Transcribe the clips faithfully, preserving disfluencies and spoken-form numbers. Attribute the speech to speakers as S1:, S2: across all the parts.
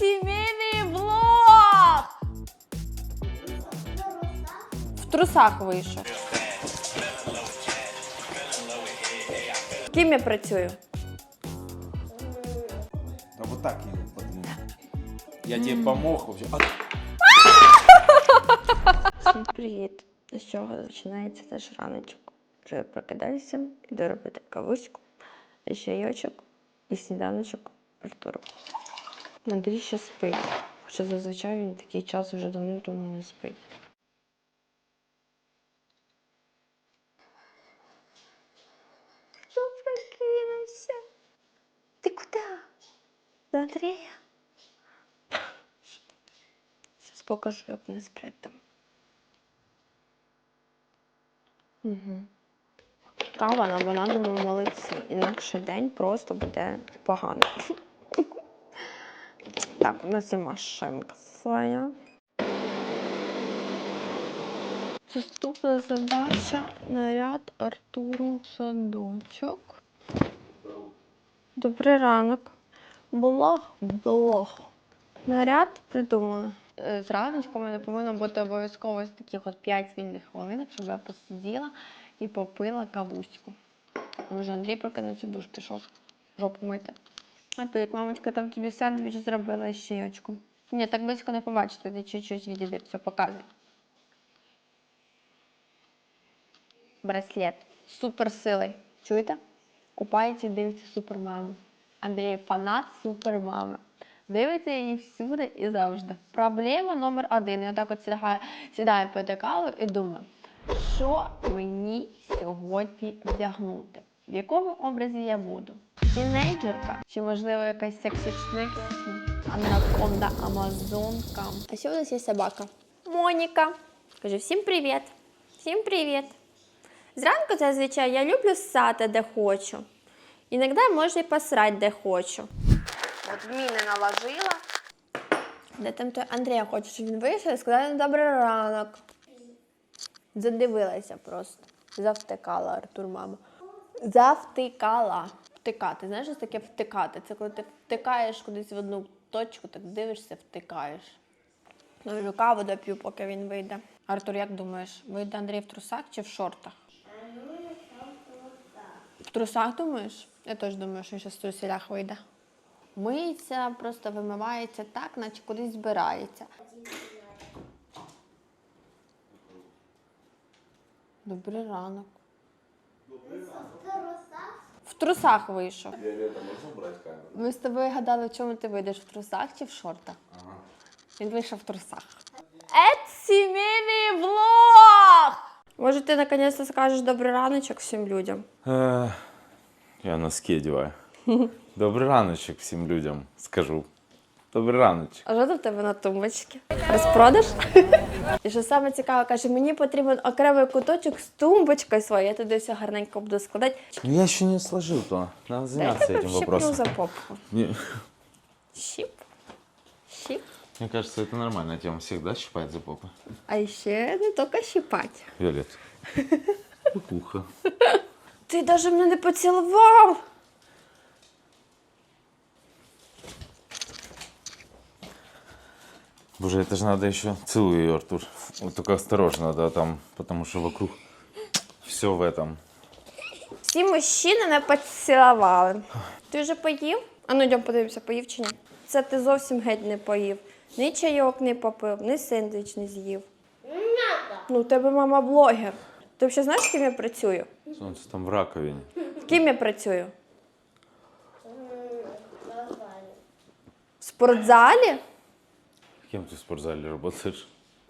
S1: Сімейний влог! В трусах вийшов. Ким я працюю?
S2: Да вот так я подумал. Я тебе помог вообще.
S1: Всім привіт! З чого починається наш раночок? Вже прокидаюся, йду робити кавуську, чайочок і сніданочок Артуру. Андрій ще спить, хоча зазвичай він такий час вже давно-давно не спить. Хто прокинувся? Ти куди? До Андрія? Зараз покажу, як не сплять там. Угу. Кава на банановому молоці. Інакше день просто буде поганий. Так, у нас є машинка своя. Наступна задача – наряд Артуру в садочок. Добрий ранок. Блог, блог. Наряд придумали. Зраночку у мене повинно бути обов'язково ось таких от п'ять вільних хвилинок, щоб я посиділа і попила кавуську. Може, Андрій прокинувся, душ пішов жопу мити. А то як мамочка там тобі сендвіч зробила з чайочком. Ні, так близько не побачите, ти чуть-чуть відійди, все показуй. Браслет. Суперсилий. Чуєте? Купається і дивиться супермаму. Андрій фанат супермами. Дивиться її всюди і завжди. Проблема номер один. Я так от сідаю, сідаю пити каву і думаю, що мені сьогодні вдягнути? В якому образі я буду? Тінейджерка? Чи, можливо, якась сексічник? Анаконда, амазонка? А ще у нас є собака. Моніка. Каже, всім привіт. Всім привіт. Зранку, зазвичай, я люблю ссати, де хочу. Іноді можу і посрати, де хочу. От міни наложила. Де там той Андрія хоче, щоб він вийшов і сказав добрий ранок. Задивилася просто. Завтикала Артур, мама. Завтикала. Втикати. Знаєш, що таке втикати? Це коли ти втикаєш кудись в одну точку, так дивишся, втикаєш. Ну, вже каву доп'ю, поки він вийде. Артур, як думаєш, вийде Андрій в трусах чи в шортах? В трусах, думаєш? Я теж думаю, що він зараз в труселях вийде. Миється, просто вимивається так, наче кудись збирається. Добрий ранок. Добрий ранок. В трусах вийшов.
S2: Віолетта, можна брати камеру?
S1: Ми з тобою гадали, в чому ти вийдеш, в трусах чи в шортах?
S2: Ага.
S1: Він вийшов в трусах. Це сімейний влог! Може, ти наконець скажеш добрий раночок всім людям?
S2: Е, я носки одягаю. Добрий раночок всім людям скажу. Добрий раночок.
S1: А що тут в тебе на тумбочці? Розпродаж? І що саме цікаве, каже, мені потрібен окремий куточок з тумбочкою своєю. Я туди все гарненько буду складати.
S2: Ну я ще не сложил то. Надо заняться этим вопросом.
S1: за попку.
S2: Не.
S1: Щип. Щип.
S2: Мне кажется, это нормальная тема. Всегда щипать за попу.
S1: А ще не тільки щипати.
S2: Виолетта. Кукуха.
S1: Ти навіть мене не поцілував.
S2: Боже, это же надо еще. Целуй ее, Артур. Вот только осторожно, да, там, потому что вокруг все в этом.
S1: Всі мужчини не поцілували. Ти вже поїв? А ну, йдемо подивимося, поїв чи ні? Це ти зовсім геть не поїв. Ні чайок не попив, ні сендвіч не з'їв. Ну, у тебе мама блогер. Ти взагалі знаєш, ким я працюю?
S2: Солнце там в раковине.
S1: Ким я працюю? В спортзалі?
S2: Кем ты в спортзале работаешь?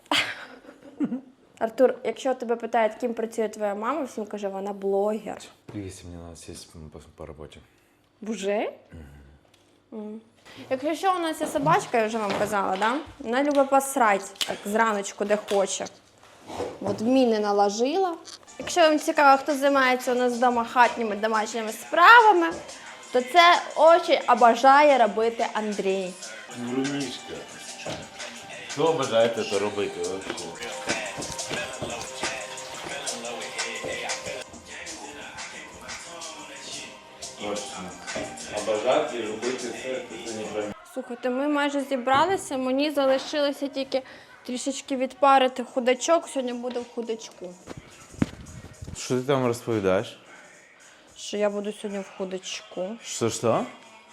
S1: Артур, якщо тебе питають, ким працює твоя мама, всім каже, вона блогер.
S2: Если мне надо сесть по, по работе.
S1: Вже? Mm. Якщо що, у нас є собачка, я вже вам казала, да? Вона любить посрати, так, зраночку, де хоче. От міни наложила. Якщо вам цікаво, хто займається у нас вдома хатніми домашніми справами, то це дуже обожає робити Андрій.
S2: Врунишка. Хто обожає це робити вообще? Точно. Обожати і робити це, це не про
S1: Слухайте, ми майже зібралися, мені залишилося тільки трішечки відпарити худачок, сьогодні буде в худачку.
S2: Що ти там розповідаєш?
S1: Що я буду сьогодні в худачку.
S2: Що, що?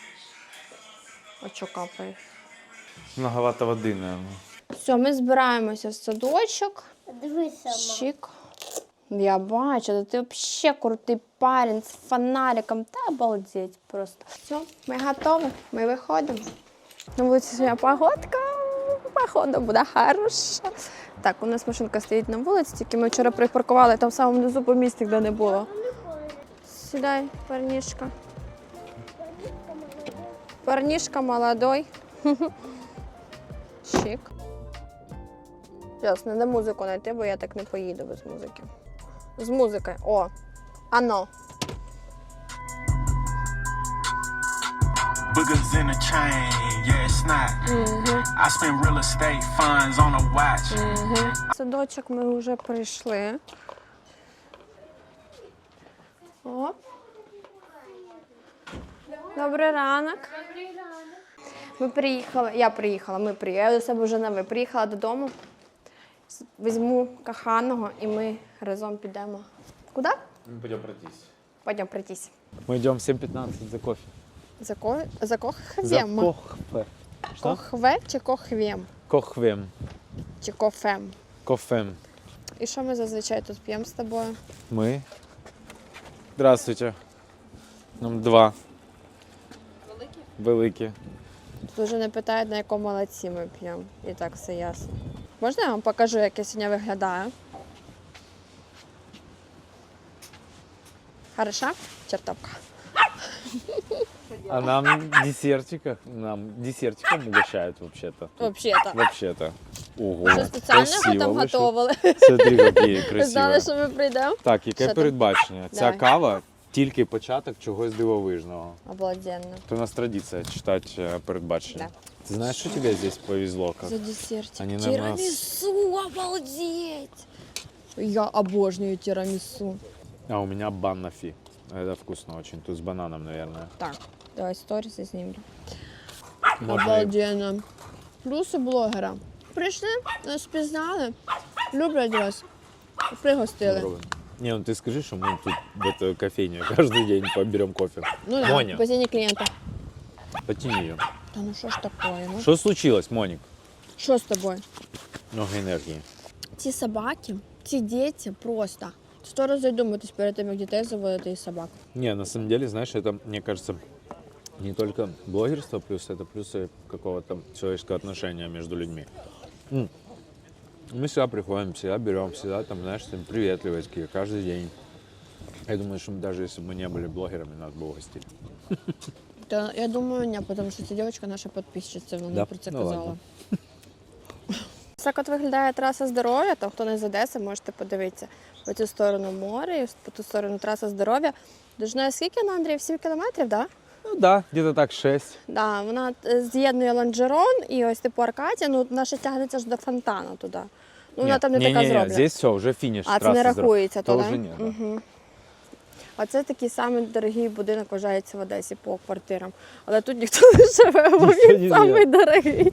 S1: А що капає?
S2: Многовато води, наверное.
S1: Все, ми збираємося в садочок.
S3: Дивися, мам.
S1: Чик. Я бачу, та ти взагалі крутий парень з фонариком. Та обалдеть просто. Все, ми готові, ми виходимо. На вулиці сьогодні погодка, походу буде хороша. Так, у нас машинка стоїть на вулиці, тільки ми вчора припаркували там в самому низу по місті, де не було. Сідай, парнішка. Парнішка молодой. Чик. Зараз, треба музику знайти, бо я так не поїду без музики. З музикою. О, ано.
S4: Boogers in a chain, yeah, it's not. I spend real estate funds on a watch.
S1: Садочок ми вже прийшли. О. Добрий ранок. Ми приїхали, я приїхала, ми приїхали, я до себе вже не ви. Приїхала додому, візьму коханого і ми разом підемо. Куди?
S2: Мы пойдем пройтись.
S1: Пойдемо пройтись.
S5: Мы идем в семь пятнадцать за кофе.
S1: За, ко... за
S5: За
S1: кохвем?
S5: кохфе. Что?
S1: Кохве чи кохвєм?
S5: Кохвем.
S1: Чи кофем?
S5: Кофем.
S1: І що ми зазвичай тут п'ємо з тобою?
S5: Мы. Здравствуйте. Нам два. Великі? Великі.
S1: Тут вже не питають, на якому молодці ми п'ємо. І так все ясно. Можна я вам покажу, як я сьогодні виглядаю? Хороша? Чертовка.
S5: А нам десертиков, нам десертиком угощают вообще-то.
S1: Взагалі-то.
S5: Вообще-то. Ого,
S1: Що спеціально ви
S5: красиво
S1: там
S5: вийшло.
S1: готували?
S5: Смотри, які
S1: Ви знали,
S5: красиві.
S1: що ми прийдемо?
S5: Так, яке
S1: Що там?
S5: передбачення? Ця
S1: Давай.
S5: кава тільки початок чогось дивовижного.
S1: Обалденно.
S5: То у нас традиція читати е, передбачення. Ти знаєш, що тебе здесь повезло? Как?
S1: За десертик.
S5: Они, наверно,
S1: Тирамису, обалдеть! Я обожнюю тирамису.
S5: А у меня баннафи. Это вкусно очень. Тут с бананом, наверное.
S1: Так, давай сторіс знімлю.
S5: Можно и-
S1: Обалденно. Плюси блогера. Прийшли, нас пізнали, люблять вас, пригостили.
S5: Попробуем. Не, ну ты скажи, что мы тут в эту кофейню каждый день поберем кофе.
S1: Ну да,
S5: Моня,
S1: постійні клієнти.
S5: потяни ее.
S1: Та ну що ж таке, ну?
S5: Что случилось, Моник?
S1: Що з тобою?
S5: Много энергии.
S1: Ці собаки, ці діти просто. Сто разів задумайтесь перед тим, як дітей заводити і собак.
S5: Не, на самом деле, знаешь, это, мне кажется, не только блогерство плюс, это плюсы какого-то человеческого отношения между людьми. М. Мы всегда приходим, всегда берем, всегда там, знаешь, там приветливые такие, каждый день. Я думаю, что мы, даже если бы мы не были блогерами, нас бы угостили.
S1: Та я думаю, ні, тому що ця дівчинка наша підписчиця, вона
S5: Да?
S1: про це
S5: Ну,
S1: казала.
S5: ладно.
S1: Так от виглядає траса здоров'я, там хто не з Одеси, можете подивитися. По цю сторону море, і по ту сторону траса здоров'я. Довжиною скільки на Андрій? сім кілометрів, так? Да?
S5: Ну да, где-то так шесть.
S1: Да, вона е, з'єднує Лонжерон і ось типу Аркадія, ну наша тягнеться аж до фонтану туди. Ну, вона
S5: Нет,
S1: там не, така
S5: не, не,
S1: зроблена.
S5: здесь все, уже финиш.
S1: А це
S5: трассы
S1: не
S5: здоров-
S1: рахується
S5: То
S1: туди?
S5: вже ні, да.
S1: Угу. А це такий самий дорогий будинок вважається в Одесі по квартирам. Але тут ніхто не живе, бо
S5: Ніхто
S1: він
S5: не
S1: самий
S5: живе.
S1: дорогий.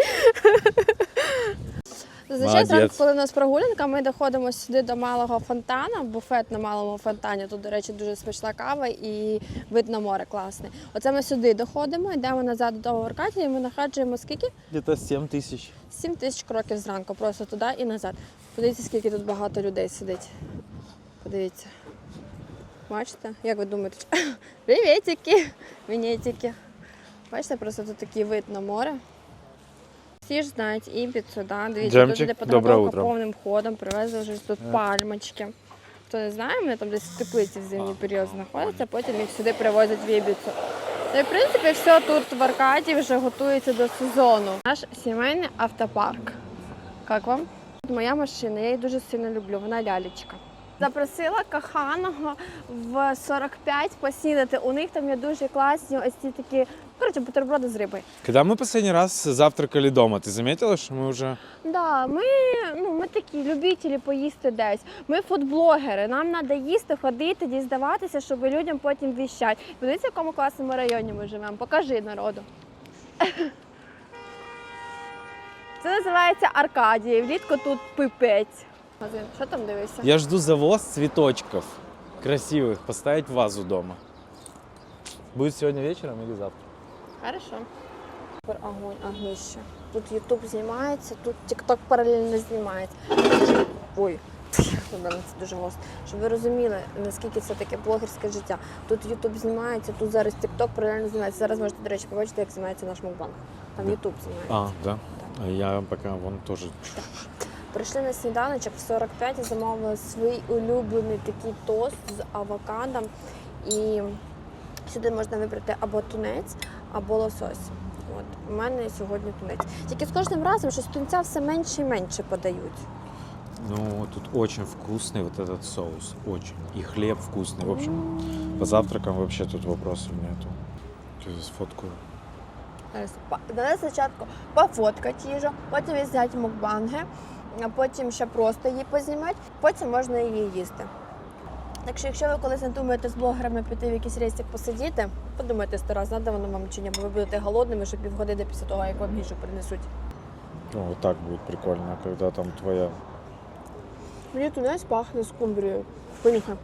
S1: Зазвичай
S5: Молодець.
S1: зранку, коли у нас прогулянка, ми доходимо сюди до малого фонтану, буфет на малому фонтані. Тут, до речі, дуже смачна кава і вид на море класний. Оце ми сюди доходимо, йдемо назад до того Аркадія, і ми находжуємо скільки?
S5: Где-то семь тысяч.
S1: Сім тисяч кроків зранку, просто туди і назад. Подивіться, скільки тут багато людей сидить. Подивіться. Бачите? Як ви думаєте? Привітики! Вінетики. Бачите, просто тут такий вид на море. Всі ж знають Ібіцу, да? Дивіться,
S5: Джемчик,
S1: тут іде
S5: доброе
S1: підготовка
S5: утро.
S1: повним ходом, привезли вже тут пальмочки. Хто не знає, вони там десь в теплиці в зимній період знаходяться, потім їх сюди привозять в Ібіцу. Ну і, в принципі, все тут в Аркадії вже готується до сезону. Наш сімейний автопарк. Як вам? Моя машина, я її дуже сильно люблю, вона лялечка. Запросила коханого в сорок п'ять поснідати. У них там є дуже класні ось ці такі, коротше, бутерброди з рибою.
S5: Когда мы последний раз завтракали дома, ты заметила, что мы уже...
S1: Да, ми, ну, ми такі любителі поїсти десь. Ми фудблогери, нам треба їсти, ходити, дізнаватися, щоб людям потім віщати. Подивіться, в якому класному районі ми живемо. Покажи народу. Це називається Аркадія. Влітку тут пипець. Що там дивишся?
S2: Я жду завоз цветочков красивых поставить в вазу дома. Будет сегодня вечером или завтра?
S1: Хорошо. Супер огонь, огнище. Тут Ютуб знімається, тут Тік-Ток паралельно знімається. Ой, у мене це дуже гостро. Щоб ви розуміли, наскільки це таке блогерське життя. Тут Ютуб знімається, тут зараз Тік-Ток паралельно знімається. Зараз можете, до речі, побачити, як знімається наш мукбанг. Там Ютуб знімається.
S2: А, да? А я пока вон тоже...
S1: Прийшли на сніданочок в сорок п'ять і замовили свій улюблений такий тост з авокадом. І сюди можна вибрати або тунець, або лосось. От, у мене сьогодні тунець. Тільки з кожним разом щось тунця все менше і менше подають.
S2: Ну, тут очень вкусный вот этот соус. Очень. И хлеб вкусный. В общем, по завтракам вообще тут вопросов нету. Сейчас сфоткаю.
S1: Зараз па- Давай спочатку пофоткати їжу, потім взяти мукбанги, а потім ще просто її познімати, потім можна її їсти. Так що, якщо ви колись надумаєте з блогерами піти в якийсь рейсик посидіти, подумайте сто раз, надо воно вам чи ні, бо ви будете голодними, що півгодини після того, як вам їжу принесуть.
S2: Ну, вот так будет прикольно, когда там твоя...
S1: Мені тунець пахне скумбрією. Понюхай.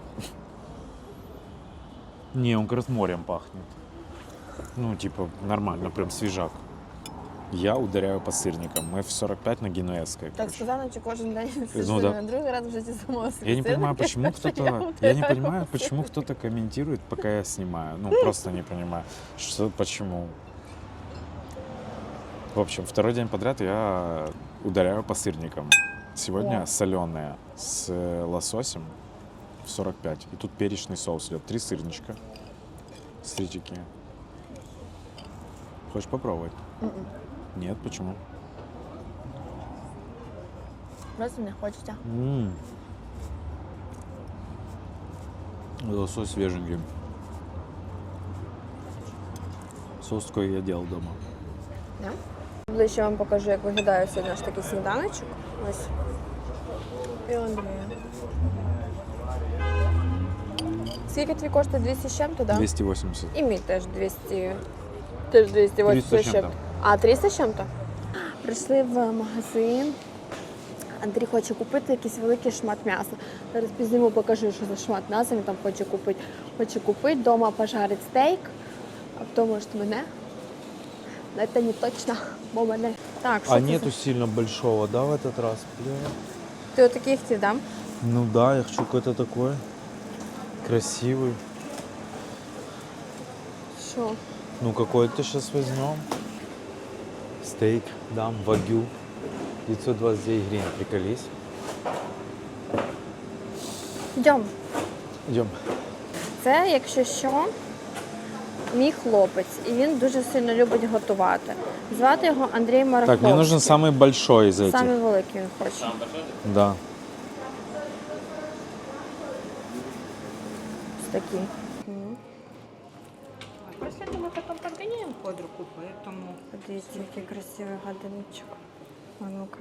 S2: Не, он как раз морем пахнет. Ну, типа, нормально, прям свежак. Я ударяю по сырникам. Мы в сорок пять на Генуэзской.
S1: Так
S2: короче.
S1: сказано, чи кожен день
S2: Ну, да.
S1: другий раз в житті самого собі
S2: Я не понимаю,
S1: сирники.
S2: почему кто-то, я не понимаю, почему кто-то комментирует, пока я снимаю. Ну, просто не понимаю, что, почему. В общем, второй день подряд я ударяю по сырникам. Сегодня
S1: О.
S2: соленые с лососем в сорок пять. И тут перечный соус идет. Три сырничка. Смотрите, какие. Хочешь попробовать?
S1: Мгм.
S2: Нет, почему?
S1: Просто не хочеться.
S2: М. Лосось свеженький. Соус такой я делал дома.
S1: Да? Ближче вам покажу, як виглядає сьогодні наш такий сніданочок. Ось. І Андрія. Скільки твій коштує? двісті з чим-то, так?
S2: двести восемьдесят.
S1: І мій теж двісті. Теж двісті вісімдесят
S2: триста з
S1: з
S2: чим-то.
S1: чим-то. А, триста з чим-то? Прийшли в магазин. Андрій хоче купити якийсь великий шмат м'яса. Зараз пізніму покажу, що за шмат м'яса він там хоче купити. Хоче купити, вдома пожарить стейк, а потім, може, мене. Но це не точно, бо мене. Так, що
S5: А
S1: це
S5: нету
S1: за...
S5: сильно большого, да, в этот раз? Бля.
S1: Ти отакий хотів, да?
S5: Ну да, я хочу какой-то такой красивый.
S1: Що?
S5: Ну какой-то сейчас возьмем. Стейк дам, вагю. девятьсот двадцать девять гривен, приколись.
S1: Йдемо.
S5: Идем.
S1: Це, якщо що, мій хлопець, і він дуже сильно любить готувати. Звати його Андрій Мараховський.
S5: Так, мне нужен самый большой из этих.
S1: Самий великий він хоче.
S5: Да.
S1: Ось такий.
S3: После этого мы потом подгоняем под руку, поэтому...
S1: Подивіться, який красивий годинничок. А ну-ка.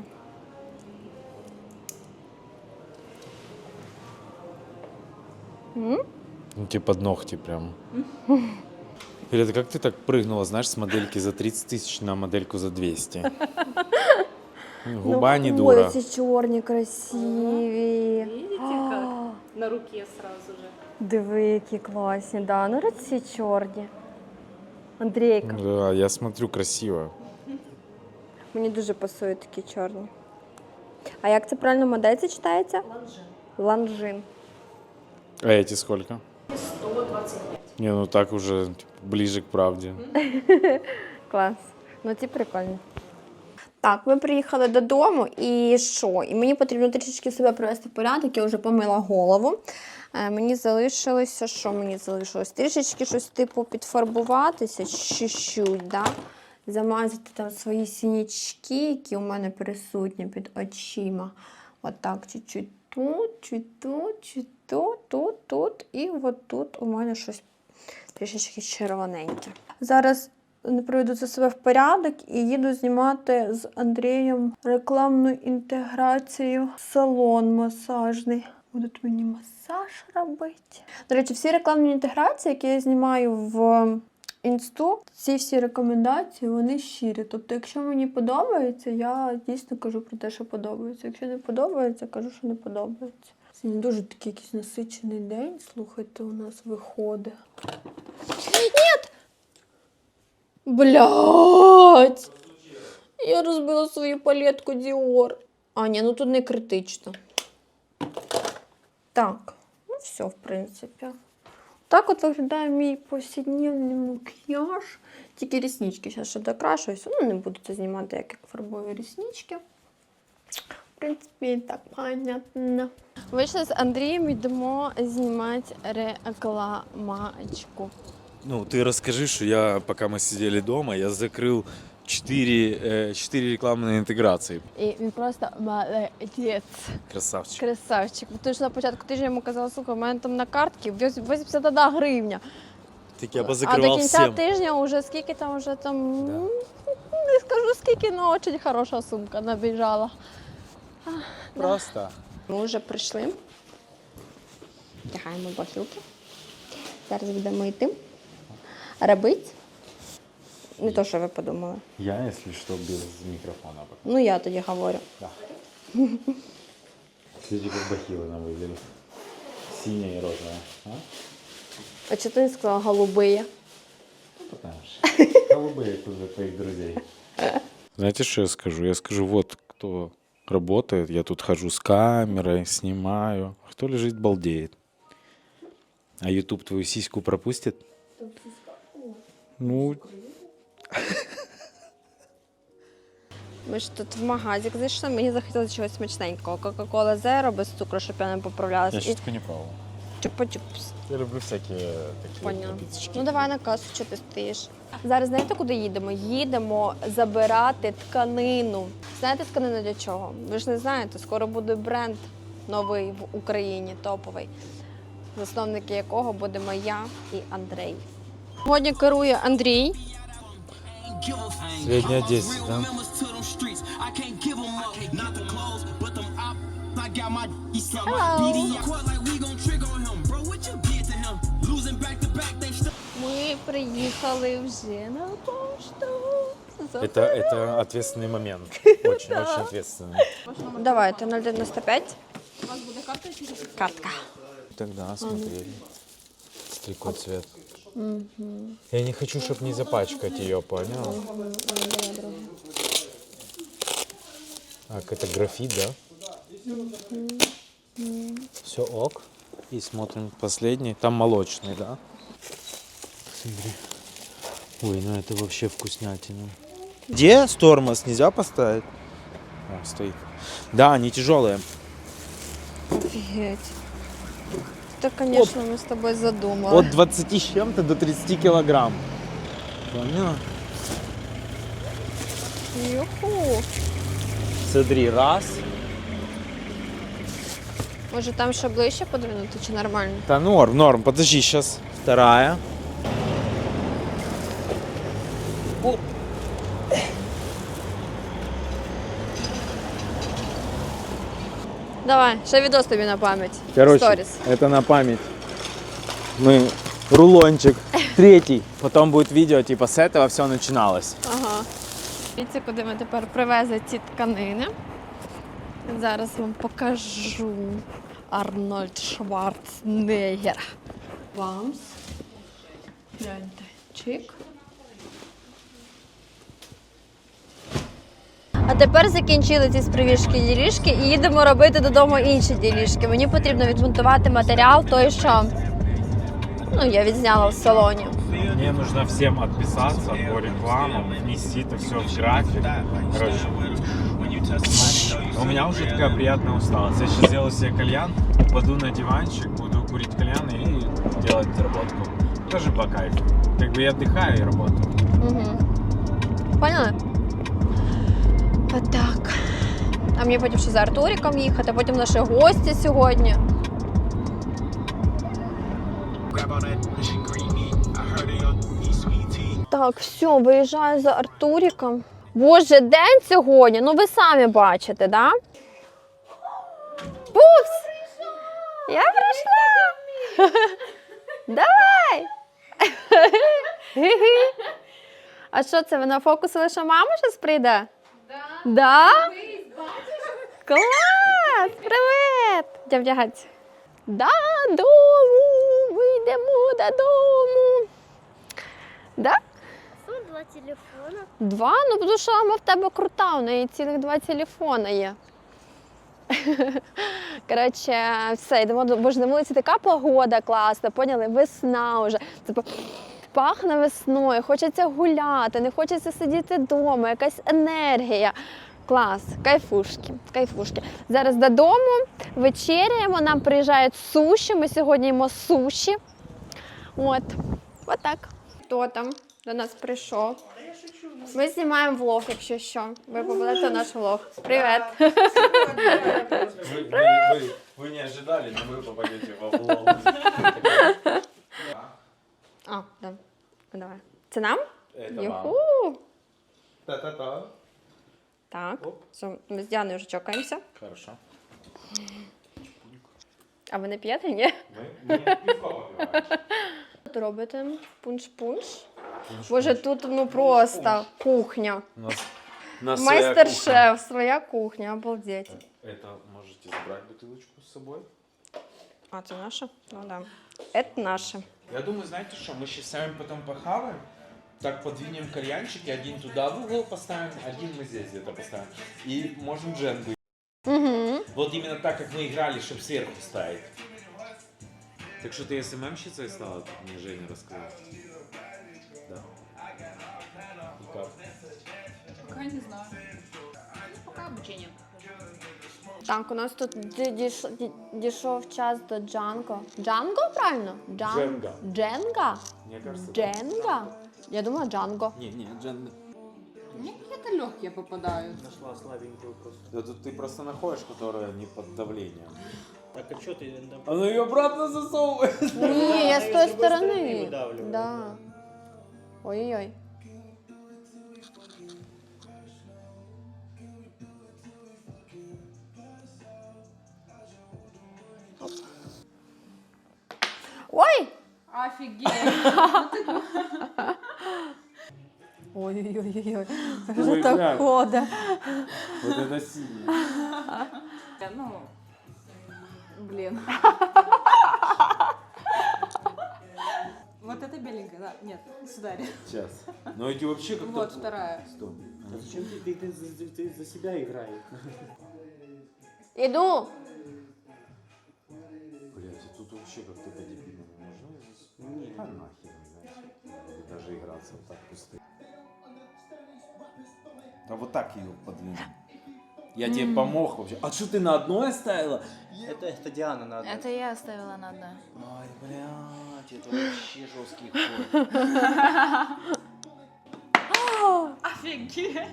S2: Ну, типа ногти прям. Или это как ты так прыгнула, знаешь, с модельки за тридцать тысяч на модельку за двести? Губа не
S1: ну,
S2: дура.
S1: Ой, ці чорні красиві.
S3: Видите, как на руке сразу же.
S1: Диви, які класні. Да, ну ці чорні. Андрійка.
S2: Да, я смотрю, красиво.
S1: Мені дуже пасують такі чорні. А як це правильно модель це читається?
S3: Ланжин.
S1: Ланжин.
S2: А эти сколько?
S3: сто двадцать пять.
S2: Не, ну так уже типа, ближе к правде.
S1: Клас. Ну ці прикольні. Так, ми приїхали додому і що? І мені потрібно трішечки себе привести в порядок, я вже помила голову. Е, мені залишилося, що мені залишилось? Трішечки щось типу підфарбуватися, чуть-чуть, да? Замазати там свої синячки, які у мене присутні під очима. Отак, чуть-чуть тут, чуть тут, чуть тут, тут, тут. І от тут у мене щось трішечки червоненьке. Зараз не приведу це себе в порядок і їду знімати з Андрієм рекламну інтеграцію в салон масажний. Будуть мені масаж робити. До речі, всі рекламні інтеграції, які я знімаю в інсту, ці всі рекомендації, вони щирі. Тобто, якщо мені подобається, я дійсно кажу про те, що подобається. Якщо не подобається, кажу, що не подобається. Сьогодні дуже такий якийсь насичений день, слухайте, у нас виходить. Ні! Блядь! Я розбила свою палетку Dior. А, ні, ну тут не критично. Так, ну все, в принципі. Так от виглядає мій повсякденний макіяж. Тільки ріснички зараз ще докрашуюся. Ну, не буду це знімати, як, як фарбую ріснички. В принципі, так понятно. Вийшли з Андрієм, йдемо знімати рекламачку.
S2: Ну, ты расскажи, что я, пока мы сидели дома, я закрыл четыре, э, четыре рекламные интеграции.
S1: І він просто молодець.
S2: Красавчик.
S1: Красавчик. Тому що на початку тижня йому казали, слухай, у мене там на картці вісімдесят одна гривня.
S2: Так я
S1: А до
S2: позакрывал
S1: кінця
S2: всем.
S1: тижня вже скільки там, вже там,
S2: Да.
S1: м, не скажу скільки, але дуже хороша сумка набіжала.
S2: Просто.
S1: Ми вже прийшли. Вдягаємо бахілки. Зараз будемо йти. Робити. Не то, що ви подумали.
S2: Я, если что, без микрофона.
S1: Ну, я тоді говорю.
S2: Да. Смотрите, как бахилы нам выглядели. Синяя и розовая. А?
S1: А чого ти не сказала голубые?
S2: Потому что голубые тоже твоих друзей. Знаете, что я скажу? Я скажу, вот кто работает, я тут хожу с камерой, снимаю. А кто лежит, балдеет. А YouTube твою сиську пропустит? Ну,
S1: Ми ж тут в магазик зайшли, мені захотілося чогось смачненького. Кока-кола Зеро без цукру, щоб я не поправлялася.
S2: я сейчас не пробовал.
S1: Чупа-чупс.
S2: Я люблю всякие такие
S1: Поняла.
S2: напиточки.
S1: Ну давай на касу, що ти стоїш. Зараз знаєте, куди їдемо? Їдемо забирати тканину. Знаєте тканину для чого? Ви ж не знаєте, скоро буде бренд новий в Україні, топовий, засновники якого будемо я і Андрій. Сьогодні керує Андрій.
S2: Средняя десять, да?
S1: Ми приїхали вже на пошту.
S2: Это, это ответственный момент. Очень, очень ответственный.
S1: Давайте, нуль дев'яносто п'ять. У вас буде картка чи картка?
S2: Тогда смотрели. Стрикой цвет. Я не хочу, чтобы не запачкать ее, понял? Так, это графит, да? Все ок. И смотрим последний. Там молочный, да? Смотри. Ой, ну это вообще вкуснятина.
S6: Где тормоз? Нельзя поставить?
S2: О, стоит. Да, они тяжелые.
S1: Офігеть. Це, звісно, ми з тобою задумали.
S2: От двадцати с чем-то до тридцати килограмм. Поняла?
S1: Юху.
S2: Смотри, раз.
S1: Може там ще ближче подвинути, чи нормально?
S2: Да норм, норм. Подожди, сейчас вторая.
S1: Давай, ще відос тобі на пам'ять.
S2: Короче,
S1: Сторіс.
S2: это на память. Мы рулончик третий. Потом будет видео, типа с этого все начиналось.
S1: Ага. Дивіться, куди ми тепер привезли ці тканини. Зараз вам покажу. Арнольд Шварценеггер. Вамс. Гляньте. Чик. А тепер закінчили ці спривіжки ділішки і їдемо робити додому інші ділішки. Мені потрібно відмонтувати матеріал той, що ну, я відзняла в салоні.
S2: Мне нужно всем отписаться по рекламам, внести это все в график. Короче, у меня уже такая приятная усталость. Я сейчас сделаю себе кальян, упаду на диванчик, буду курить кальян и делать работку. Тоже по кайфу. Как бы я отдыхаю и работаю.
S1: Угу. Поняли? Отак. А мені потім ще за Артуріком їхати, потім наші гості сьогодні. Так, все, виїжджаю за Артуріком. Боже, день сьогодні, ну ви самі бачите, да? Пупс! Я прийшла! Давай! А що це, ви нафокусили, що мама щось прийде? Да. Да? Клас! Привіт! Де вдягатися? Додому! Ми йдемо додому. Да?
S7: Два телефона.
S1: Два? Ну, тому що мама в тебе крута, у неї цілих два телефона є. Коротше, все, йдемо, бо ж на вулиці така погода класна, поняли? Весна вже. Типу, пахне весною, хочеться гуляти, не хочеться сидіти вдома, якась енергія. Клас, кайфушки, кайфушки. Зараз додому, вечеряємо, нам приїжджають суші, ми сьогодні їмо суші. От, отак. Хто там до нас прийшов? Ми знімаємо влог, якщо що. Ви попадете в наш влог. Привіт.
S2: Вы, вы- вы- вы не ожидали, но вы попадете во влог.
S1: А, да. Давай. Це нам?
S2: Это вам.
S1: Юху.
S2: Та-та-та.
S1: Так, все, ми з Діаною вже чокаємося.
S2: Хорошо.
S1: А ви не п'єте, ні?
S2: Мы, мы пивко попиваем.
S1: Тут робите пунш-пунш. Боже, тут ну просто кухня.
S2: У нас, у нас своя кухня.
S1: Майстер-шеф, своя кухня, обалдеть.
S2: Это можете забрать бутылочку с собой.
S1: А, це наше? Ну да. Это наше.
S6: Я думаю, знаете что, мы сейчас с вами потом похаваем, так подвинем кальянчики, один туда в угол поставим, один мы здесь где-то поставим. И можем дженгу.
S1: Угу.
S6: Вот именно так, как мы играли, чтобы сверху ставить.
S2: Так что ты СММщицей стала, тут мне Женя рассказала. Да. И как?
S3: Пока не знаю. Пока обучение.
S1: Так, у нас тут ді- дійш- ді- дійшов час до Джанго. Джанго, правильно? Джан...
S2: Дженга.
S1: Дженга?
S2: Мне кажется, да.
S1: Дженга? Я думала Джанго.
S2: Не, не, Дженга.
S3: Мне какие-то легкие попадают.
S8: Нашла слабенькую просто.
S2: Да тут ты просто находишь, которая не под давлением.
S8: Так а что ты?
S2: Она ее обратно засовывает.
S1: Ні, я з
S8: з
S1: тої
S8: другої сторони
S1: сторони.
S8: видавлювала.
S1: Да. Ой-ой-ой. Оп. Ой!
S3: Офигеть.
S1: Ой-ой-ой-ой.
S2: Ой,
S1: Що так
S2: глянь.
S1: ходить?
S2: Вот это синий.
S3: Ну, блин. Вот это беленькая, да? Нет, сюда.
S2: Сейчас. Но эти вообще как-то...
S3: Вот вторая.
S2: Стоп.
S8: А зачем ты, ты, ты, за- ты за себя играешь?
S1: Іду.
S2: Блять, тут вообще как-то по-дебильному можно здесь?
S8: Не.
S2: А нахер, знаешь. Даже играться вот так пусто. А вот так ее подвинь. Я тебе помог вообще. А что ты на одной оставила?
S8: Это, это Диана надо.
S9: Это я оставила на одной.
S8: Ай, блядь, это вообще жесткий ход.
S3: Офигеть.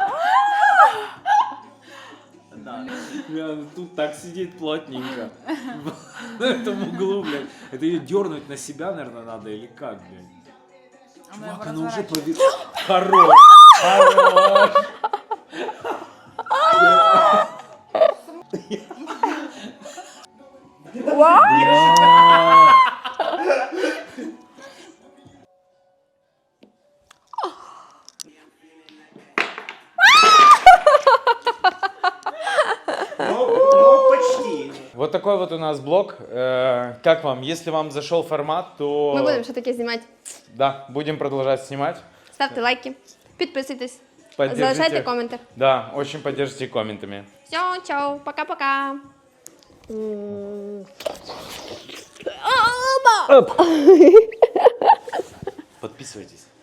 S8: Да.
S2: Бля, ну тут так сидит плотненько. На этом углу, блядь. Это ее дернуть на себя, наверное, надо или как, блядь?
S9: А мы
S2: Чувак,
S9: его
S2: она уже
S9: разворачиваем.
S2: повис... Хорош! Хорош! Бля!
S8: Ну, ну, почти.
S2: Вот такой вот у нас блог. Э, Как вам? Если вам зашел формат, то...
S1: Ми будемо ще таке знімати.
S2: Да, будем продолжать снимать.
S1: Ставте лайки, підписуйтесь,
S2: Поддержите.
S1: залишайте коменти.
S2: Да, очень поддержите комментами.
S1: Все, чао, пока-пока. М.
S2: Подписывайтесь.